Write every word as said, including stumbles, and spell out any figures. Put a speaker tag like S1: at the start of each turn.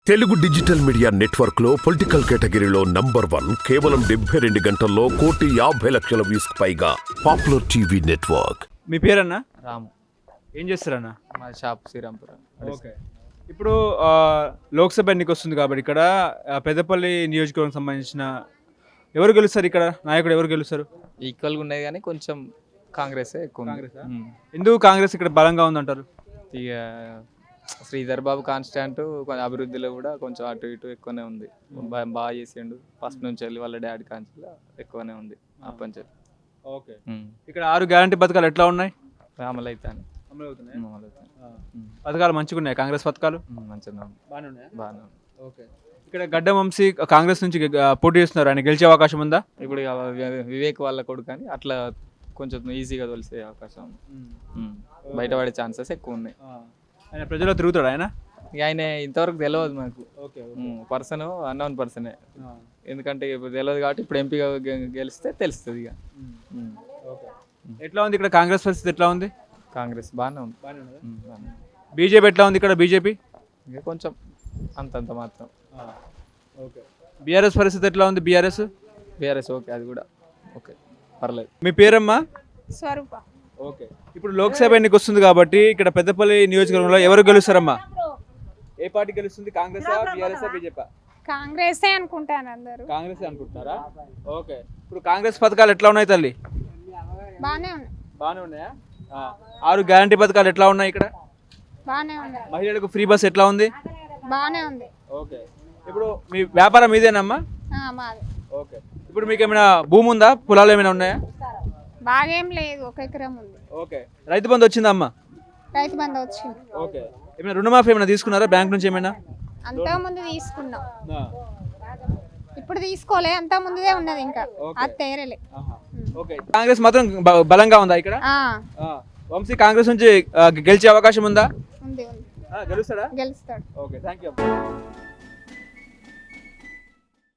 S1: Telugu digital media network లో political కేటగిరీలో number one కేవలం డెబ్బై రెండు గంటల్లో కోటి యాభై లక్షల వ్యూస్ పైగా పాపులర్ టీవీ నెట్వర్క్.
S2: మీ పేరన్నా?
S3: రాము.
S2: ఏం చేస్తారన్నా?
S3: మా షాప్ శ్రీరాంపురం.
S2: ఓకే. ఇప్పుడు ఆ, లోక్సభ ఎన్నిక వస్తుంది కాబట్టి ఇక్కడ ఆ, పెద్దపల్లి నియోజకవర్గం సంబంధించిన ఎవరు గెలుస్తారు ఇక్కడ? నాయకుడు ఎవరు గెలుస్తారు?
S3: ఈక్వల్గా ఉన్నాయి కానీ కొంచెం కాంగ్రెస్ ఎక్కువ ఉంది.
S2: కాంగ్రెసా?
S3: ఉమ్.
S2: ఎందుకు కాంగ్రెస్ ఇక్కడ బలంగా ఉందంటారు?
S3: ఇక శ్రీధర్ బాబు కాన్స్టాంట్ కొంచెం అభివృద్ధిలో కూడా కొంచెం అటు ఇటు ఎక్కువనే ఉంది. బా- బాగా చేసిండు ఫస్ట్ నుంచి వెళ్ళి వాళ్ళ డాడీ కాన్స్లో ఎక్కువనే ఉంది అప్పటి నుంచి.
S2: ఓకే.
S3: ఉమ్.
S2: ఇక్కడ ఆరు గ్యారంటీ పథకాలు ఎట్లా ఉన్నాయి?
S3: అమలు అవుతాను
S2: అమలు అవుతున్నాయి.
S3: అమలు అవుతాను
S2: పథకాలు మంచిగా ఉన్నాయి. కాంగ్రెస్ పథకాలు
S3: మంచిగా ఉంది.
S2: బాగానే ఉన్నాయి.
S3: బాగానే ఉంది.
S2: ఓకే. ఇక్కడ గడ్డ వంశీ కాంగ్రెస్ నుంచి గె- పోటీ చేస్తున్నారు. ఆయన గెలిచే అవకాశం ఉందా?
S3: ఇప్పుడు ఇక వి- వివేక్ వాళ్ళ కొడుకు కానీ అట్లా కొంచెం ఈజీగా తెలిసే అవకాశం ఉంది. ఉమ్. బయటపడే ఛాన్సెస్ ఎక్కువ ఉన్నాయి.
S2: ఆయన ప్రజల్లో తిరుగుతాడు ఆయన?
S3: ఇక ఆయన ఇంతవరకు తెలియదు మాకు.
S2: ఓకే.
S3: పర్సన్ అన్నోన్ పర్సనే, ఎందుకంటే ఇప్పుడు తెలియదు కాబట్టి ఇప్పుడు ఎంపీగా గె- గెలిస్తే తెలుస్తుంది ఇక. ఉమ్.
S2: ఓకే. ఎట్లా ఉంది ఇక్కడ కాంగ్రెస్ పరిస్థితి? ఎట్లా ఉంది?
S3: కాంగ్రెస్ బాగానే ఉంది. ఉమ్, బాగానే ఉంది.
S2: బీజేపీ ఎట్లా ఉంది ఇక్కడ? బీజేపీ
S3: ఇంకా కొంచెం అంతంత మాత్రం.
S2: ఓకే. బీఆర్ఎస్ పరిస్థితి ఎట్లా ఉంది? బీఆర్ఎస్
S3: బీఆర్ఎస్ ఓకే, అది కూడా ఓకే, పర్లేదు.
S2: మీ పేరమ్మా?
S4: స్వరూప.
S2: ఓకే. ఇప్పుడు లోక్సభ ఎన్నిక వస్తుంది కాబట్టి ఇక్కడ పెద్దపల్లి నియోజకవర్గంలో ఎవరు గెలుస్తారమ్మా? ఏ పార్టీ గెలుస్తుంది? కాంగ్రెస్, బీఆర్ఎస్, బీజేపీ?
S4: కాంగ్రెసే అనుకుంటాను అందరూ.
S2: కాంగ్రెస్ అనుకుంటున్నారా? ఓకే. ఇప్పుడు కాంగ్రెస్ పథకాలు ఎట్లా ఉన్నాయి తల్లి?
S4: బానే ఉన్నాయి.
S2: బాగానే ఉన్నాయా? ఆ. ఆరు గ్యారంటీ పథకాలు ఎట్లా ఉన్నాయి ఇక్కడ?
S4: బానే ఉన్నాయి.
S2: మహిళలకు ఫ్రీ బస్ ఎట్లా ఉంది?
S4: బానే ఉంది.
S2: ఓకే. ఇప్పుడు మీ వ్యాపారం ఇదేనమ్మా?
S4: ఆ, మాది
S2: ఓకే. ఇప్పుడు మీకు ఏమైనా భూమి ఉందా? పొలాలు ఏమైనా ఉన్నాయా?
S4: బాగేం లేదు, ఒక ఎకరం ఉంది.
S2: ఓకే. రైతు బంధు వచ్చిందా అమ్మా?
S4: రైతు బంధు వచ్చింది.
S2: ఓకే. ఏమైనా రుణమాఫీ ఏమైనా తీసుకున్నారా బ్యాంక్ నుంచి ఏమైనా?
S4: అంతా ముందు తీసుకున్నాం, ఇప్పుడు తీసుకోలే. అంతా ముందుదే ఉన్నది, ఇంకా అది తేరలే.
S2: ఓకే. కాంగ్రెస్ మాత్రం బ- బలంగా ఉందా ఇక్కడ?
S4: ఆ,
S2: ఆ. వంశీ కాంగ్రెస్ నుంచి ఆ, గెలిచే అవకాశం ఉందా?
S4: ఉంది ఉంది,
S2: ఆ, గెలుస్తాడా?
S4: గెలుస్తాడు.
S2: ఓకే. Thank you.